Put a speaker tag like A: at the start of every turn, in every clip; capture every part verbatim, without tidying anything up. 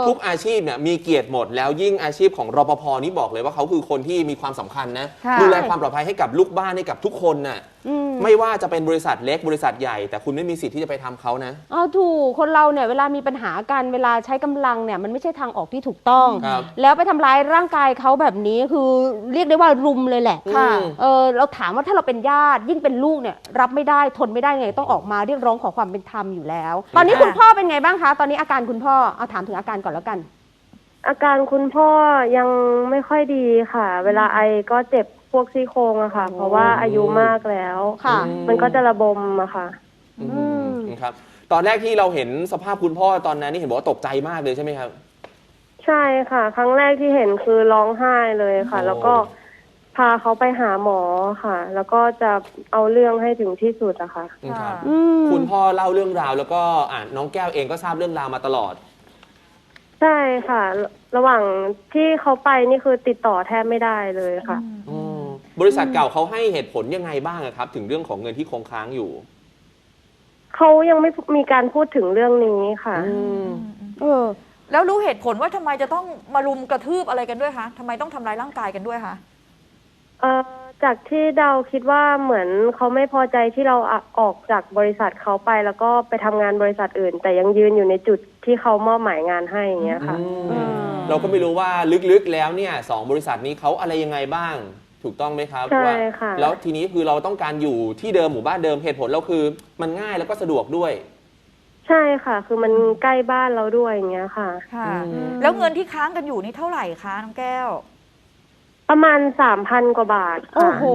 A: ทุกอาชีพเนี่ยมีเกียรติหมดแล้วยิ่งอาชีพของรปภนี่บอกเลยว่าเขาคือคนที่มีความสำคัญนะดูแลความปลอดภัยให้กับลูกบ้านให้กับทุกคนน่ะไม่ว่าจะเป็นบริษัทเล็กบริษัทใหญ่แต่คุณไม่มีสิทธิ์ที่จะไปทำเขานะ
B: อ๋อถูกคนเราเนี่ยเวลามีปัญหากันเวลาใช้กำลังเนี่ยมันไม่ใช่ทางออกที่ถูกต้องแล้วไปทำร้ายร่างกายเขาแบบนี้คือเรียกได้ว่ารุมเลยแหละค่ะเออเราถามว่าถ้าเราเป็นญาติยิ่งเป็นลูกเนี่ยรับไม่ได้ทนไม่ได้ไงต้องออกมาเรียกร้องขอความเป็นธรรมอยู่แล้วตอนนี้คุณพ่อเป็นไงบ้างคะตอนนี้อาการคุณพ่อเอาถามถึงอาการก่อนแล้วกัน
C: อาการคุณพ่อยังไม่ค่อยดีค่ะเวลาไอก็เจ็บพวกซี่โครงอะค่ะเพราะว่าอายุมากแล้วค่ะมันก็จะระบมอะค่ะ
A: อืมครับตอนแรกที่เราเห็นสภาพคุณพ่อตอนนั้นนี่เห็นบอกว่าตกใจมากเลยใช่ไหมครับ
C: ใช่ค่ะครั้งแรกที่เห็นคือร้องไห้เลยค่ะแล้วก็พาเขาไปหาหมอค่ะแล้วก็จะเอาเรื่องให้ถึงที่สุดอะค่ะ
A: ครับคุณพ่อเล่าเรื่องราวแล้วก็อ่าน้องแก้วเองก็ทราบเรื่องราวมาตลอด
C: ใช่ค่ะระหว่างที่เขาไปนี่คือติดต่อแทบไม่ได้เลยค่ะ
A: บริษัทเก่าเขาให้เหตุผลยังไงบ้างครับถึงเรื่องของเงินที่คงค้างอยู่
C: เขายังไม่มีการพูดถึงเรื่องนี้ค่ะ
D: เออแล้วรู้เหตุผลว่าทำไมจะต้องมารุมกระทืบอะไรกันด้วยคะทำไมต้องทำร้ายร่างกายกันด้วยคะ
C: เอ่อจากที่เดาคิดว่าเหมือนเขาไม่พอใจที่เราออกจากบริษัทเขาไปแล้วก็ไปทำงานบริษัทอื่นแต่ยังยืนอยู่ในจุดที่เขามอบหมายงานให้อย่างเงี้ยค่ะ
A: เราก็ไม่รู้ว่าลึกๆแล้วเนี่ยสองบริษัทนี้เขาอะไรยังไงบ้างถูกต้องไหมครับ
C: ใช่ค่ะ
A: แล้วทีนี้คือเราต้องการอยู่ที่เดิมหมู่บ้านเดิมเหตุผลเราคือมันง่ายแล้วก็สะดวกด้วย
C: ใช่ค่ะคือมันใกล้บ้านเราด้วยอย่างเงี้ยค่ะ
D: ค่ะแล้วเงินที่ค้างกันอยู่นี่เท่าไหร่คะน้องแก้ว
C: ประมาณสามพันกว่าบาทค่ะ
B: โอ้โห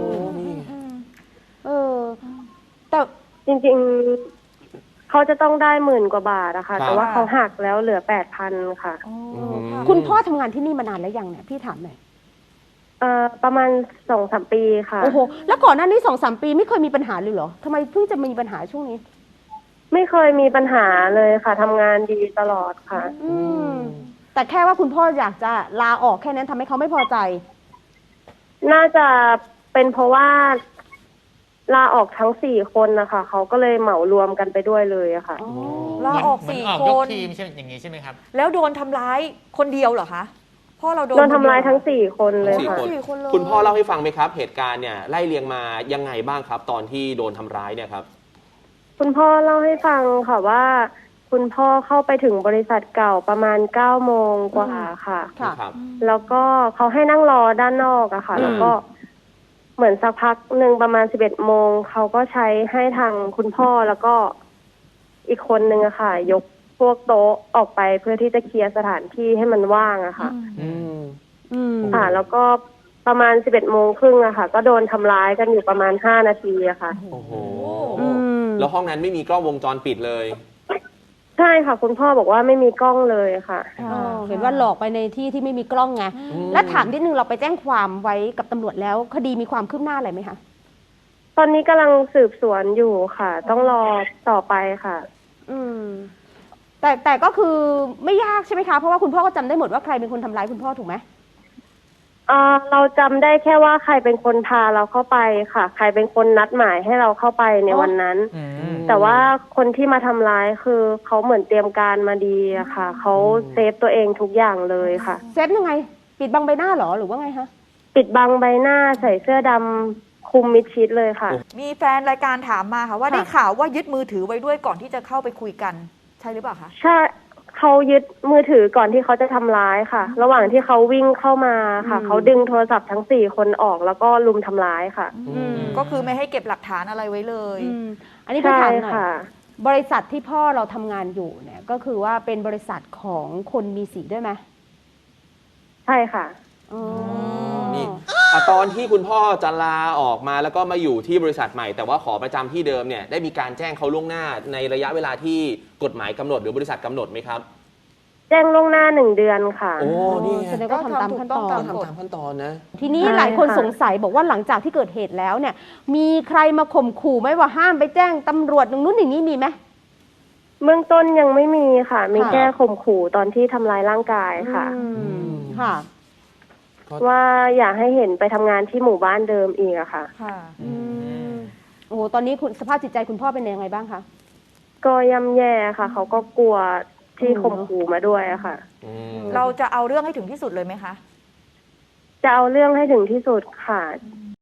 B: เออแต่
C: จริงๆเขาจะต้องได้หมื่นกว่าบาทนะคะแต่ว่าเขาหักแล้วเหลือแปดพันค่ะ
B: คุณพ่อทำงานที่นี่มานานแล้วยังเนี่ยพี่ถามหน่อย
C: เอ่อประมาณสองสามปีค่ะ
B: โอ้โหแล้วก่อนหน้านี้สองสามปีไม่เคยมีปัญหาเลยเหรอทำไมเพิ่งจะมีปัญหาช่วงนี้
C: ไม่เคยมีปัญหาเลยค่ะทำงานดีตลอดค่ะ
B: อืมแต่แค่ว่าคุณพ่ออยากจะลาออกแค่นั้นทำให้เขาไม่พอใจ
C: น่าจะเป็นเพราะว่าลาออกทั้งสี่คนนะคะเขาก็เลยเหมารวมกันไปด้วยเลยอะค่ะ
D: ลาออกสี่คน
E: ทีมใช่อย่างนี้ใช่ไหมครับ
D: แล้วโดนทำร้ายคนเดียวเหรอคะพ่อเราโดน
C: โดนทำร้ายทั้งสี่คนเลยค่ะ
A: คุณพ่อเล่าให้ฟังไหมครับเหตุการณ์เนี่ยไล่เรียงมายังไงบ้างครับตอนที่โดนทำร้ายเนี่ยครับ
C: คุณพ่อเล่าให้ฟังค่ะว่าคุณพ่อเข้าไปถึงบริษัทเก่าประมาณเก้าโมงกว่าค่ะแล้วก็เขาให้นั่งรอด้านนอกอะค่ะแล้วก็เหมือนสักพักหนึ่งประมาณสิบเอ็ดโมงเขาก็ใช้ให้ทางคุณพ่อแล้วก็อีกคนนึงอะค่ะยกพวกโต๊ะออกไปเพื่อที่จะเคลียร์สถานที่ให้มันว่างอะค่ะค่ะแล้วก็ประมาณสิบเอ็ดโมงครึ่งอะค่ะก็โดนทำร้ายกันอยู่ประมาณห้านาทีอะค่ะ
A: โอ้โหแล้วห้องนั้นไม่มีกล้องวงจรปิดเลย
C: ใช่ค่ะคุณพ่อบอกว่าไม่มีกล้องเลยค่ะ
B: เห็นว่าหลอกไปในที่ที่ไม่มีกล้องไงแล้วถามนิดนึงเราไปแจ้งความไว้กับตำรวจแล้วคดีมีความคืบหน้าอะไรไหมคะ
C: ตอนนี้กำลังสืบสวนอยู่ค่ะต้องรอต่อไปค่ะ
B: อืมแต่แต่ก็คือไม่ยากใช่ไหมคะเพราะว่าคุณพ่อก็จำได้หมดว่าใครเป็นคนทำร้ายคุณพ่อถูกไหม
C: เอ่อเราจำได้แค่ว่าใครเป็นคนพาเราเข้าไปค่ะใครเป็นคนนัดหมายให้เราเข้าไปในวันนั้นแต่ว่าคนที่มาทำร้ายคือเขาเหมือนเตรียมการมาดีอะค่ะเขาเซฟตัวเองทุกอย่างเลยค่ะ
B: เซฟยังไงปิดบังใบหน้าหรอหรือว่าไงคะ
C: ปิดบังใบหน้าใส่เสื้อดำคลุมมิดชิดเลยค่ะ
D: มีแฟนรายการถามมาค่ะว่าได้ข่าวว่ายึดมือถือไว้ด้วยก่อนที่จะเข้าไปคุยกันใช่หรือเปล่าคะ
C: ใช่เขายึดมือถือก่อนที่เขาจะทำร้ายค่ะระหว่างที่เขาวิ่งเข้ามาค่ะเขาดึงโทรศัพท์ทั้งสี่คนออกแล้วก็ลุมทำร้ายค่ะ
D: ก็คือไม่ให้เก็บหลักฐานอะไรไว้เลย
B: อันนี้พี่ถามหน่อยบริษัทที่พ่อเราทำงานอยู่เนี่ยก็คือว่าเป็นบริษัทของคนมีสีด้วยไหม
C: ใช่ค่ะ
A: นี่ตอนที่คุณพ่อจะลาออกมาแล้วก็มาอยู่ที่บริษัทใหม่แต่ว่าขอประจำที่เดิมเนี่ยได้มีการแจ้งเขาล่วงหน้าในระยะเวลาที่กฎหมายกำหนดหรือบริษัทกำหนดไหมครับ
C: แจ้งล่วงหน้าหนึ่งเดือนค่ะ
A: โอ้นี่
B: แสดงว่าทำตามขั้นตอน
A: ทำตามขั้นตอนนะ
B: ทีนี้หลายคนสงสัยบอกว่าหลังจากที่เกิดเหตุแล้วเนี่ยมีใครมาข่มขู่ไหมว่าห้ามไปแจ้งตำรวจอย่างนู้นอย่างนี้มีไหม
C: เบื้องต้นยังไม่มีค่ะมีแค่ข่มขู่ตอนที่ทำร้ายร่างกายค่ะ
B: ค่ะ
C: ว่าอยากให้เห็นไปทำงานที่หมู่บ้านเดิมอีกอะค่ะ
D: ค่ะ
B: โอ้โหตอนนี้คุณสภาพจิตใจคุณพ่อเป็นยังไงบ้างคะ
C: ก็ย่ำแย่ค่ะเขาก็กลัวที่ข่มขู่มาด้วยอะค่ะ
D: เราจะเอาเรื่องให้ถึงที่สุดเลยไหมคะ
C: จะเอาเรื่องให้ถึงที่สุดค่ะ